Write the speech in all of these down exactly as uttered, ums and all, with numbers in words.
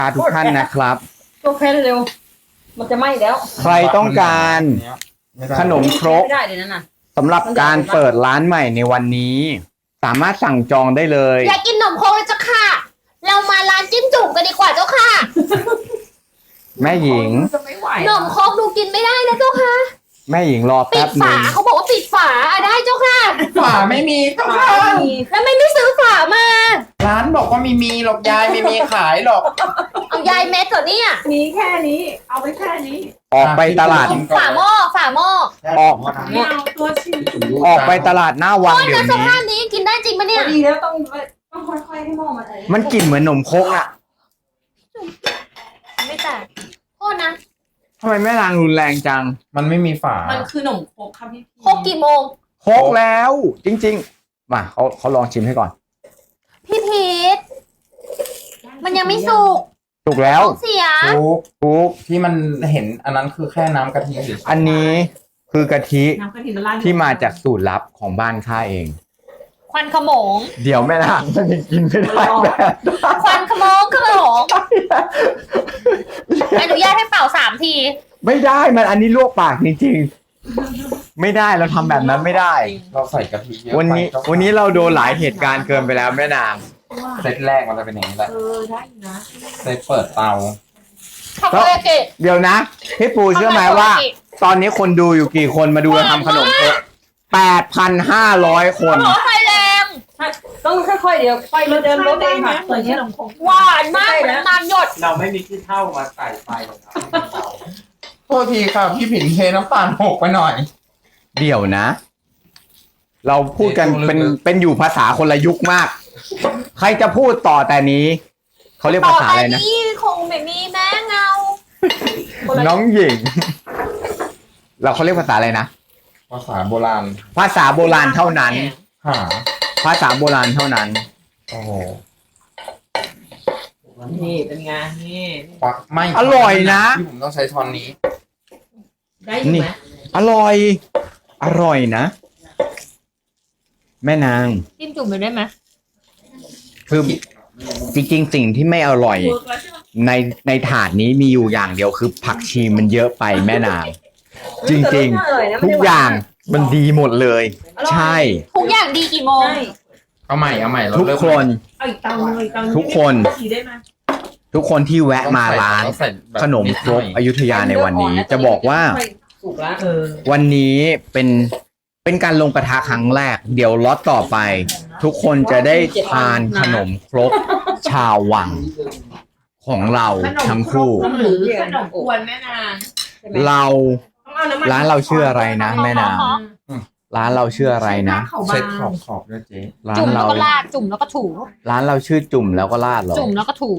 าทุกท่านนะครับตัวแค่เร็วมันจะไหม้แล้วใครต้องการขนมครกไม่ได้เลยนั่นน่ะสำหรับการเปิดร้านใหม่ในวันนี้สามารถสั่งจองได้เลยอยากกินขนมโคกเลยเจ้าค่ะเรามาร้านจิ้มจุ่มกันดีกว่าเจ้าค่ะแม่หญิงขนมโคกดูกินไม่ได้นะเจ้าค่ะแม่หญิงรอปิแป๊ดบนึฝาง เขาบอกว่าปิดฝาได้เจ้าค่ะฝาไม่มีเจ้าค่ะแล้วไม่ไม่ซื้อฝามาร้านบอกว่าไม่มีหรอกยายไม่มีขายหรอกเอายายเม็ดก่อนเนี่ยมีแค่นี้เอาไปแค่นี้ออกไปตลาดฝาหม้อฝาหม้อออกไม่เอาตัวชิ้นออกไปตลาดหน้าวังเดี๋ยวนี้สนี้ภาพนี้กินได้จริงปะเนี่ยดีแล้วต้องต้องค่อยๆให้หม้อมันอะไรมันกลิ่นเหมือนนมครกอะไม่แตกโทษนะทำไมแม่นางรุนแรงจังมันไม่มีฝามันคือขนมครกครับพี่โคกกี่โมงโคกแล้วจริงๆมาเขาเขาลองชิมให้ก่อนพี่พีทมันยังไม่สุกสุกแล้วเสียทุกทุกที่มันเห็นอันนั้นคือแค่น้ำกะทิเฉยอันนี้คือกะทิที่มาจากสูตรลับของบ้านข้าเองควันขโมงเดี๋ยวแม่นางมันยังกินไม่ได้แบบควันขโมงขโมงอนุญาตให้เป่าสามทีไม่ได้มันอันนี้ลวกปากจริงๆไม่ได้เราทำแบบนั้นไม่ได้เราใส่กะทิเยอะวันนี้วันนี้เราโดนหลายเหตุการณ์เกินไปแล้วแม่นางเซตแรกมันจะเป็นอย่างนี้แหละเออได้นะเซตเปิดเตาทำอะไรกิเดี๋ยวนะพี่ปูเชื่อไหมว่าตอนนี้คนดูอยู่กี่คนมาดูเราทำขนมครกแปดพันห้าร้อยคนโอ้ไฟแรงต้องค่อยๆเดี๋ยวไฟรถเดินรถเองค่ะส่วนนี้ขนมครกหวานมากเหมือนน้ำหยดเราไม่มีที่เท่ามาใส่ไฟหรอกครับโทษทีค่ะพี่ผินเทน้ำตาลหกไปหน่อยเดี๋ยวนะเราพูดกันเป็นเป็นอยู่ภาษาคนละยุคมากใครจะพูดต่อแต่นี้เขาเรียกภาษาอะไรนะนี่คงไม่มีแม่เงาน้องหญิงเราเขาเรียกภาษาอะไรนะภาษาโบราณภาษาโบราณเท่านั้นหาภาษาโบราณเท่านั้นโอ้โหนี่เป็นไงนี่ปักไม่อร่อยนะที่ผมต้องใช้ช้อนนี้ได้อยู่ไหมอร่อยอร่อยนะแม่นางจิ้มจุ่มไปได้ไหมคือจริงๆสิ่งที่ไม่อร่อยในในถาดนี้มีอยู่อย่างเดียวคือผักชีมันเยอะไปแม่นางจริงๆทุกอย่างมันดีหมดเลยใช่ทุกอย่างดีกี่โมงเอาใหม่เอาใหม่ทุกคนทุกคนทุกคนที่แวะมาร้านขนมครกอยุธยาในวันนี้จะบอกว่าวันนี้เป็นเป็นการลงกระทะครั้งแรกเดี๋ยวล็อตต่อไปทุกคนจะได้ทานขนมครกชาววังของเราทั้งคู่หรือขนมกวนแม่นางเราร้านเราชื่ออะไรนะแม่นางร้านเราชื่ออะไรนะเช็ดขอบขอบด้วยเจ๊ร้านเราจุ่มแล้วก็ลาดจุ่มแล้วก็ถูร้านเราชื่อจุ่มแล้วก็ลาดหรอจุ่มแล้วก็ถู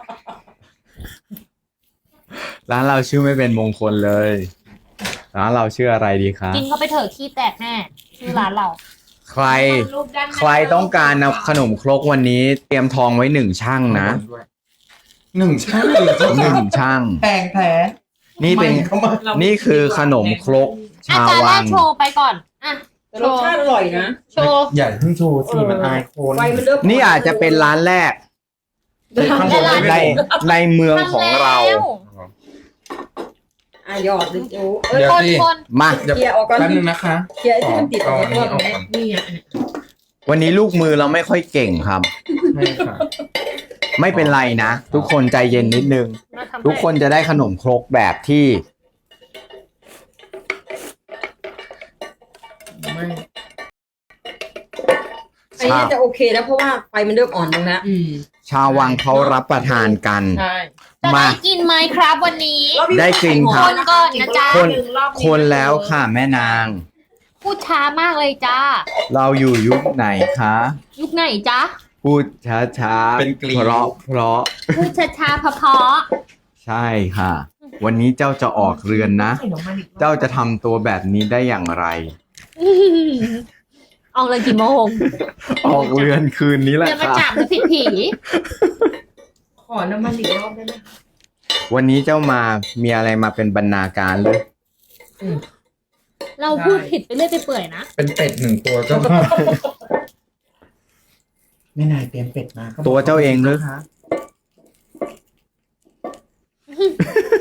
ร้านเราชื่อไม่เป็นมงคลเลยร้านเราชื่ออะไรดีคะกินเข้าไปเถอะขี้แตกแน่ชื่อร้านเราใครใครต้องการขนมครกวันนี้เตรียมทองไว้หนึ่งช่างนะหนึ่งช่างหนึ่งช่างแพงแท้นี่เป็นนี่คือขนมครกชาววังโชว์ไปก่อนอ่ะรสชาติอร่อยนะโชว์อย่าเพิ่งโชว์สิมันอายคนนี่อาจจะเป็นร้านแรกในในเมืองของเราอ่ะหยอดดิจูเดี๋ยวสิมาเดี๋ยวเคลียร์ออกก่อนแป๊บนึงนะคะเคลียร์ที่มันติดออกก่อนนี่อ่ะวันนี้ลูกมือเราไม่ค่อยเก่งครับไม่เป็นไรนะทุกคนใจเย็นนิดนึงทุกคนจะได้ขนมครกแบบที่อันนี้จะโอเคแล้วเพราะว่าไฟมันเริ่มอ่อนลงแล้วชาววังเขารับประทานกันมากินไหมครับวันนี้ได้กินครับคนก่อนนะจ๊ะคนคนแล้วค่ะแม่นางพูดช้ามากเลยจ้าเราอยู่ยุคไหนคะยุคไหนจ๊ะพูดช้าช้าเป็นกลีเพราะเพราะพูดช้าช้าเพราะเพราะใช่ค่ะวันนี้เจ้าจะออกเรือนนะเจ้าจะทำตัวแบบนี้ได้อย่างไรออกเลยกี่โมงออกเรือนคืนนี้แหละค่ะจะมาจับผิดผีขอน้ำมันอีกรอบได้ไหมวันนี้เจ้ามามีอะไรมาเป็นบรรณาการหรือเราพูดผิดไปเรื่อยไปเปื่อยนะเป็นเป็ดหนึ่งตัวเจ้าไม่นายเตรียมเป็ดมาตัวเจ้าเองหรือคะ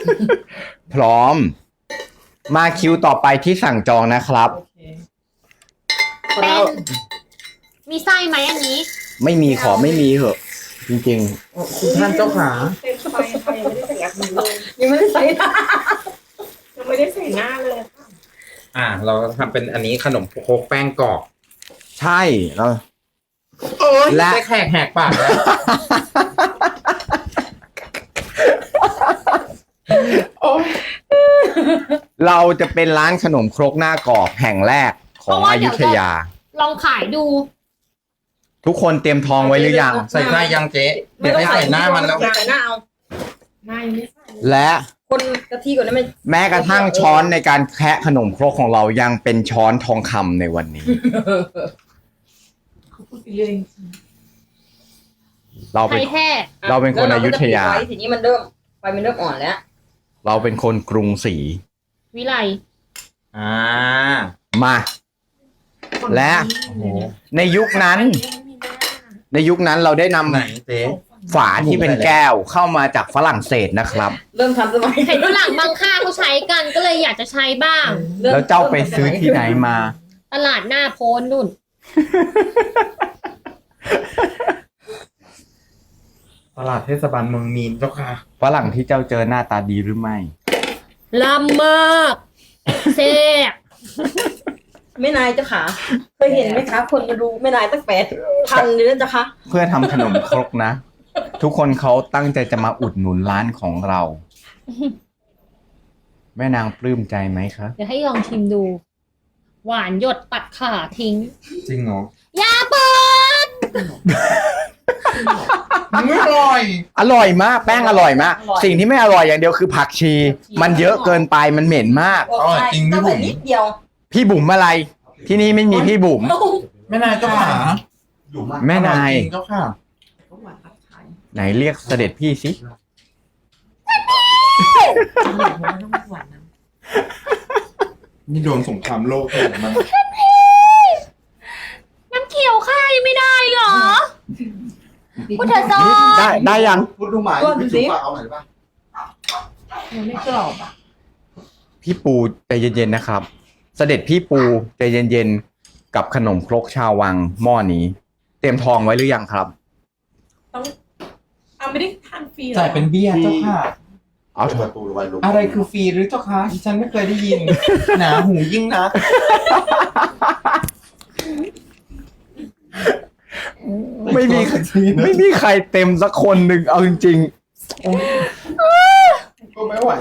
พร้อม มาคิวต่อไปที่สั่งจองนะครับเป็นมีไส้ไหมอันนี้ไม่มีขอไม่มีเหอะ จริงคุณท่านเจ้าขาเต็มสบายไปยังไม่ได้ใส่ยักษ์เลยยังไม่ได้ใส่หน้ายังไม่ได้ใส่หน้าเลยค่ะอ่า เราทำเป็นอันนี้ขนมโคกแป้งกรอบๆ ใช่เราโอ้ยและได้แขกแหกปากแล้วโอ้ยเราจะเป็นร้านขนมครกหน้ากรอบแห่งแรกของอยุธยาลองขายดูทุกคนเตรียมทองไว้หรือยังใส่หน้ายังเจ๊เดี๋ยวให้ใส่หน้ามันแล้วใส่หน้าเอาหน้ายังไม่ใส่และคนกะทิก่อนนะไม่แม้กระทั่งช้อนในการแคะขนมครกของเรายังเป็นช้อนทองคำในวันนี้เขาพูดไปเรื่อยจริงเราไทเป็นยแท้เราเป็นคนอยุธยาแล้วเรก็จะปิดไว้ทีนี้มันเริ่มไฟมันเริ่มอ่อนแล้วเราเป็นคนกรุงศรีวิไลอ่ามาๆและโอ้โหในยุคนั้น ในยุคนั้นเราได้นำไหนเจ๊ฝาที่เป็นแก้วเข้ามาจากฝรั่งเศสนะครับเริ่มทำสมัยเห็นฝรั่งบางค่าเขาใช้กันก็เลยอยากจะใช้บ้างริ่มแล้วเจ้าไปซื้อที่ไหนมาตลาดหน้าโพนนุ่นตลาดเทศบาลเมืองมีนเจ้าค่ะฝรั่งที่เจ้าเจอหน้าตาดีหรือไม่ลำมากเซ่บแม่นายเจ้าขาเคยเห็นไหมคะ คนมาดูแม่นายตั้งแปดพันเลยนะเจ้าคะเพื่อทำขนมครกนะ ทุกคนเขาตั้งใจจะมาอุดหนุนร้านของเรา แม่นางปลื้มใจไหมคะเดี๋ยวให้ลองชิมดู หวานหยดตัดขาทิ้งจริงเหรออย่าเปิดไม่อร่อยอร่อยมาก แป้งอร่อยมาก สิ่งที่ไม่อร่อยอย่างเดียวคือผักชี มันเยอะเกินไปมันเหม็นมากบอกใช่จริงพี่ต้องบุ๋ใส่มนิดเดียวพี่บุ๋มอะไร ที่นี่ไม่มีพี่บุ๋มแม่นายเจ้าขาแม่นายอร่อจริงเจ้าค่ะก็หวานตัดขายไหนเรียกเสด็จพี่สิต้องหวานนะนี่โดนสงครามโลกเลยมันน้ำเขียวค่ายไม่ได้เหรอพุทธซอได้ได้ยังพูดดูหมายก็ดูพี่สิจุ๊บเอาหน่อยได้ป่ะมันไม่กรอบอ่ะพี่ปูใจเย็นๆนะครับ เสด็จพี่ปูใจเย็นๆกับขนมครกชาววังหม้อนี้ เตรียมทองไว้หรือยังครับต้องเอาไม่ได้ทานฟรีหรอจ่ายเป็นเบี้ยเจ้าค่ะเอาเถปอะระตูไว้ลูกอะไรคือฟรีหรือเจ้าคะดิฉันไม่เคยได้ยิน หนาหูยิ่งนักไม่มีไม่มีใครเต็มสักคนหนึ่งเอาจริงก็ไม่ไหว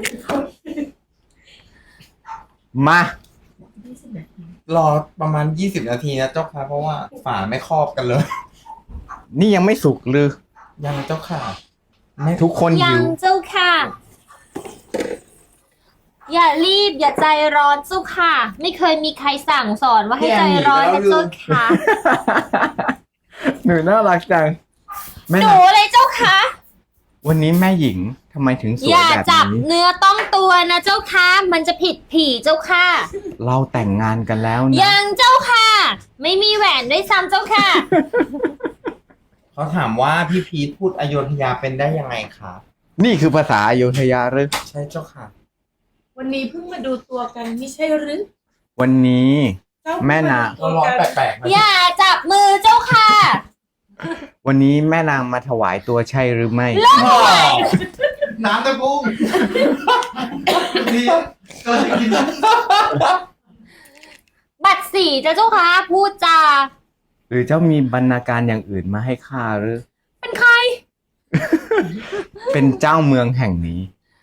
ๆ มารอประมาณยี่สิบนาทีนะเจ้าค่ะเพราะว่าฝาไม่ครอบกันเลยนี่ยังไม่สุกหรือยังเจ้าค่ะไม่ทุกคนยัหิงวเจ้าค่ะ อย่ารีบอย่าใจร้อนเจ้าค่ะ ไม่เคยมีใครสั่งสอนว่าให้ใจร้อนนะเจ้าค่ะหนูน่ารักจังแม่หนะนูเลยเจ้าค่ะวันนี้แม่หญิงทำไมถึงสวยอย่าแบบจับนี้เนื้อต้องตัวนะเจ้าค่ะ มันจะผิดผีเจ้าค่ะเราแต่งงานกันแล้วนะยังเจ้าค่ะ ไม่มีแหวนด้วยซ้ำเจ้าค่ะเขาถามว่าพี่พีทพูดอโยธยาเป็นได้ยังไงคะนี่คือภาษาอโยธยาหรือใช่เจ้าค่ะวันนี้เพิ่งมาดูตัวกันไม่ใช่หรือวันนี้เจ้าแม่นาเพิ่งร้อนมาดูตัวแปกัลกๆนะอย่าจับมือเจ้าค่ะวันนี้แม่นางมาถวายตัวใช่หรือไม่น้ำตะกุ้งนี่ก็เลยกินบัตรสีจ้ะเจ้าค่ะ พูดจาหรือเจ้ามีบรรณาการอย่างอื่นมาให้ข้าหรือเป็นใครเป็นเจ้าเมืองแห่งนี้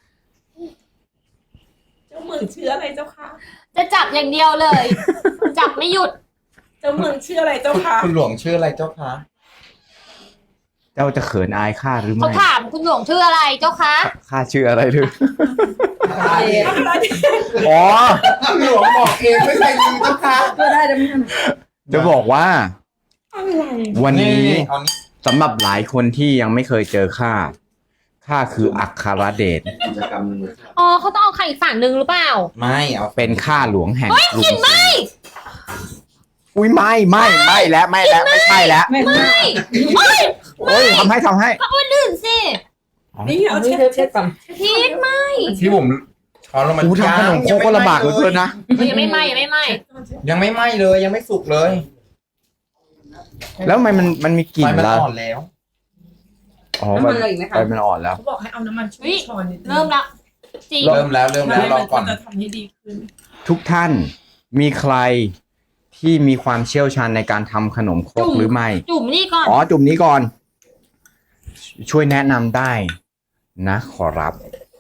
เจ้าเมืองชื่ออะไรเจ้าค่ะจะจับอย่างเดียวเลย จับไม่หยุดเจ้าเมืองชื่ออะไรเจ้าค่ะคุณหลวงชื่ออะไรเจ้าคะเจ้าจะเขินอายข้าหรือเขาไม่ถามคุณหลวงชื่ออะไรเจ้าคะข้าชื่ออะไรหรืออะไรอ๋อคุณหลวงบอกเองไม่ใช่จริงเจ้าค่ะก็ได้แต่ไม่ทันจะบอกว่าอะไรวันนี้เอานี้สำหรับหลายคนที่ยังไม่เคยเจอข้า ข้าคืออัครเดชกิจกรรมหนึ่งเลยครับอ๋อเขาต้องเอาใครอีกฝั่งหนึ่งหรือเปล่าไม่เอาเป็นข้าหลวงแห่งกรุงกลิ่นไหมอุ้ยไม่ไม่ไม่แล้วไม่แล้วไม่ใช่แล้วไม่ไม่โอ้ยโอ้ยทำให้ทำให้เอาคนอื่นสินี่เอานี่เช็ดเช็ดก่อนพีทไหมที่ผมช้อนลงมากูทำขนมโครกก็ลำบากเหลือเกินนะยังไม่ไหมยังไม่ไหมยังไม่ไหม้เลยยังไม่สุกเลยแล้วทำไมมันมันมีกลิ่ไฟนมันละอ่อนแล้วอ๋อน้ำมัมัน นอะไรอีกไหมไฟคะมันอ่อนแล้วเขาบอกให้เอาน้ำมันชุ่มช้อนนิดนึงเริ่มละจริงเริ่มแล้วเริ่มแล้วรอก่อนจะทำให้ดีขึ้นทุกท่านมีใครที่มีความเชี่ยวชาญในการทำขนมครกหรือไม่จุ่มนี่ก่อนอ๋อ จุ่มนี้ก่อน ช่วยแนะนำได้นะขอรับ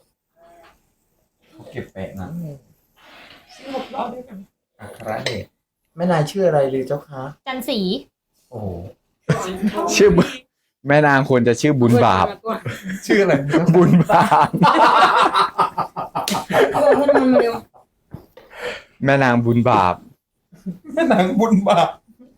เก็บแปะนะหกรอบด้วยกันอัครเดชแม่นายชื่ออะไรหรือเจ้าคะจันสีโอ้โหชื่อบุแม่นางควรจะชื่อบุญบาปชื่ออะไรบุญบาปเอาให้น้ำมันมาเร็วแม่นางบุญบาปแม่นางบุญบาป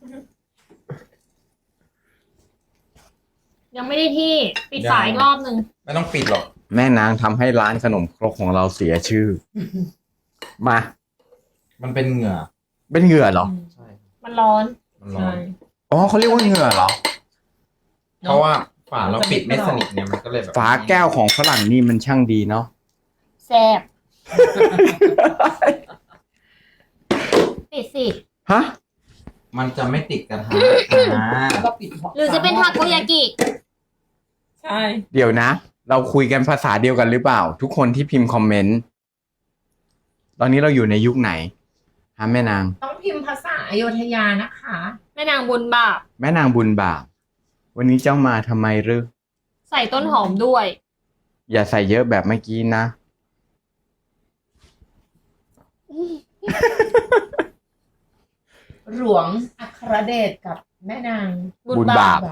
ยังไม่ได้ที่ปิดฝาอีกรอบหนึ่งไม่ต้องปิดหรอกแม่นางทำให้ร้านขนมครกของเราเสียชื่อ มามันเป็นเหงื่อเป็นเหงื่อเหรอใช่มันร้อนมันร้อใช่นอ๋อเขาเรียกว่าเหงื่อเหรอเพราะว่าฝาเราปิดไม่สนิทเนี่ยมันก็เลยแบบฝาแก้วของฝรั่งนี่มันช่างดีเนาะแซ่บปิดสิฮะมันจะไม่ติดกระทะอ่าแล้วก็ปิดหรือจะเป็นทาโกยากิใช่เดี๋ยวนะ เราคุยกันภาษาเดียวกันหรือเปล่า ทุกคนที่พิมพ์คอมเมนต์ ตอนนี้เราอยู่ในยุคไหนฮะแม่นางต้องพิมพ์ภาษาอโยธยานะคะแม่นางบุญบาปแม่นางบุญบาป วันนี้เจ้ามาทำไมหรือใส่ต้นหอมด้วยอย่าใส่เยอะแบบเมื่อกี้นะหลวงอัครเดชกับแม่นางบุญบุญบาบาปป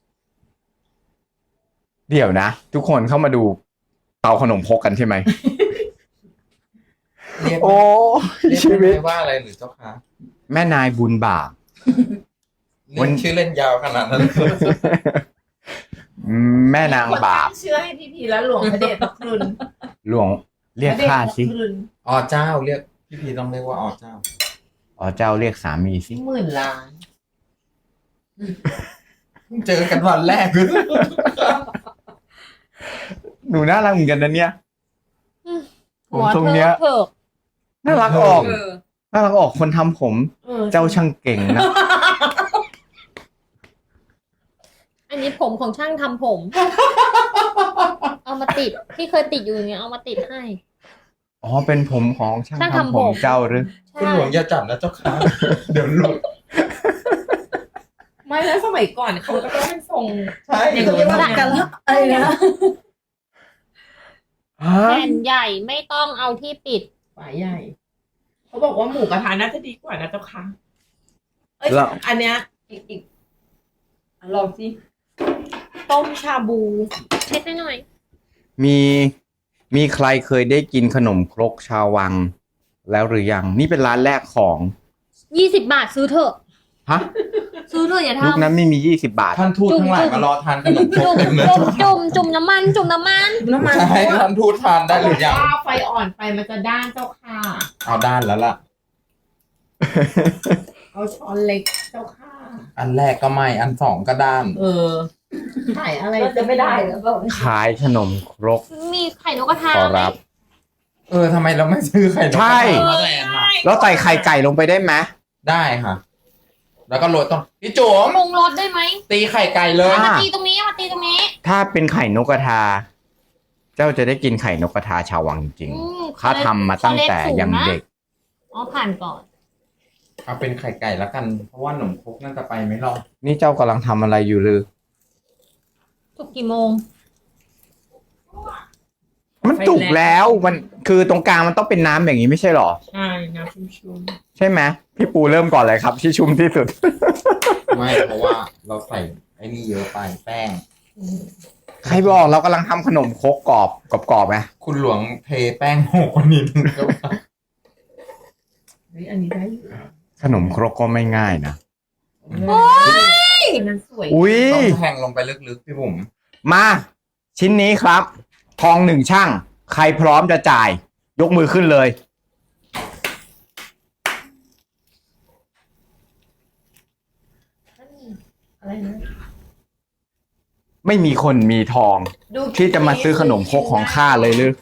เดี๋ยวนะ ทุกคนเข้ามาดูเตาขนมพกกันใช่ไหมเรียกโอ้เรียกชีวิตได้ว่าอะไรหรือเจ้าคะแม่นายบุญบาปเรียกชื่อเล่นยาวขนาดนั้นแม่นางบาปเชื่อให้พี่พีและหลวงพระเดชพระคุณหลวงเรียกข้าสิพระเดชพระคุณอ๋อเจ้าเรียกพี่พีต้องเรียกว่าอ๋อเจ้าอ๋อเจ้าเรียกสามีสิหมื่นล้านเพิ่งเจอกันวันแรกหนูน่ารักเหมือนกันนะเนี่ย ผมหัวทรงเธเนี้ยอเถิกน่ารักออกเออน่ารักออกคนทำผมเออเจ้าช่างเก่งนะอันนี้ผมของช่างทำผม เอามาติดที่เคยติดอยู่อย่างเงี้ยเอามาติดให้อ๋อเป็นผมของช่างช่างทำทำผผม มเจ้าหรือคุณหลวงอย่าจับนะเจ้าค่ะ เดี๋ยวหลุดไม่แล้วสมัยก่อนเขาก็ต้องเป็นทรงใช่อย่างเรียกว่ากันละอะไรนะฮะแผ่นใหญ่ไม่ต้องเอาที่ปิดฝาใหญ่ เขาบอกว่าหมูกระทะน่าจะดีกว่านะเจ้าค่ะเอ้ยแล้วอันเนี้ยอีกอีกอ่ะลองสิต้มชาบูเช็ดให้หน่อยมีมีใครเคยได้กินขนมครกชาววัง แล้วหรือยัง นี่เป็นร้านแรกของยี่สิบบาทซื้อเถอะฮะซื้อเถอะอย่ายุคทำนั้นไม่มียี่สิบบาทท่านทูตทั้งหลายมารอทานขนมครกจุ่มเต็มเลยจุ่มจุ่มจุ่มน้ำมัน จุ่มน้ำมันน้ำมันใช่ท่านทูตทานได้หรือยังถ้าไฟอ่อนไปมันจะด้านเจ้าค่ะเอาด้านแล้วล่ะเอาช้อนเล็กเจ้าค่ะอันแรกก็ไม่อันสองก็ด้านเออขายอะไรเราจะไม่ได้หรือเปล่าขายขนมครกมีไข่นกกระทาขอไหมรับเออทำไมเราไม่ซื้อไข่นกกระทะใช่มาแทนล่ะแล้วใส่ไข่ไก่ลงไปได้ไหมได้ค่ะ แล้วก็โรยต้นพี่จุ๋มปรุงรสได้ไหมตีไข่ไก่เลยเอามาตีตรงนี้เอามาตีตรงนี้ถ้าเป็นไข่นกกระทา เจ้าจะได้กินไข่นกกระทาชาววังจริงอืมๆข้าทำมาตั้งแต่ยังเด็กอ๋อผ่านก่อนเอาเป็นไข่ไก่แล้วกัน เพราะว่าหนมครกน่าจะไปไม่รอดนี่เจ้ากำลังทำอะไรอยู่หรือถูกกี่โมงมันจุกแล้วมันคือตรงกลางมันต้องเป็นน้ำอย่างนี้ไม่ใช่หรอใช่น้ำชุ่มใช่ไหมพี่ปูเริ่มก่อนเลยครับที่ชุ่มที่สุดไม่เพราะว่าเราใส่ไอ้นี่เยอะไปแป้งใครบอกเรากำลังทำขนมครกกรอบกรอบๆไหมคุณหลวงเทแป้งหกกว่านิดนึงก็ว่าๆเฮ้ยอันนี้ได้อยู่ขนมครกก็ไม่ง่ายนะโอ้ยมันสวยอุ้ยต้องแทงลงไปลึกๆพี่บุ๋มมา ชิ้นนี้ครับ ทองหนึ่งช่าง ใครพร้อมจะจ่าย ยกมือขึ้นเลยอะไรนะไม่มีคนมีทองดูที่จะมาซื้อขนมครกของข้าเลยหรือ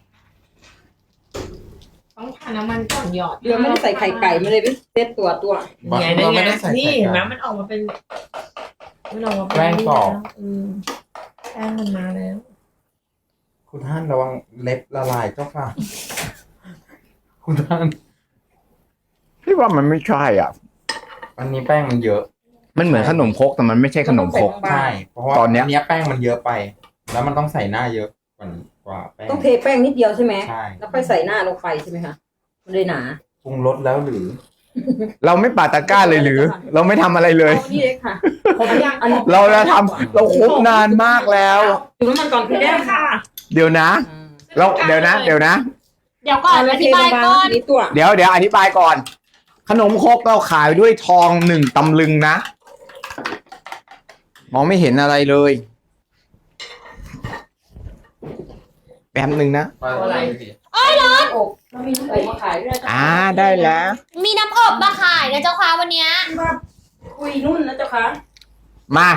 ต้องผ่านน้ำมันก่อนหยอดเรือไม่ได้ใส่ไข่ไก่มาเลยพี่เซตตัวตัวไงเรานี่ไม่ไงได้ใส่นี่ไข่เห็นไหมไก่มันออกมาเป็นมันออกมาเป็นแป้งกรอบอืมแป้งมันมาแล้วคุณท่านระวังเล็บละลายเจ้าค่ะ คุณท่านพี่ว่ามันไม่ใช่อ่ะอันนี้แป้งมันเยอะมันเหมือนขนมครกแต่มันไม่ใช่ขนมครกใช่เพราะว่าตอนเนี้ยเนี้ยแป้งมันเยอะไป แล้วมันต้องใส่หน้าเยอะกว่ากว่าแป้งต้องเทแป้งนิดเดียวใช่ไหมใช่แล้วค่อยใส่หน้าลงไปใช่ไหมคะมันเลยหนาปรุงรสแล้วหรือเราไม่ปาตะกร้าเลยหรือ เราไม่ทำอะไรเลยเอานี่เลยค่ะผมยังอันนี้เราจะทำเราคบนานมากแล้วจุ่มน้ำมันก่อนพี่ได้แด้ค่ะเดี๋ยวนะ เราเดี๋ยวนะ เดี๋ยวนะเดี๋ยวก่อนอธิบายก่อนนี่ตัวเดี๋ยวเดี๋ยวอธิบายก่อน ขนมครกเราขายด้วยทองหนึ่งตำลึงนะ มองไม่เห็นอะไรเลย แป๊บหนึ่งนะอะไรอบเรามีน้ำอบมาขายด้วยนะอ่าได้แล้วมีน้ำอบมาขายนะเจ้าค่ะวันเนี้ยว่าคุยนุ่นนะเจ้าค่ะมา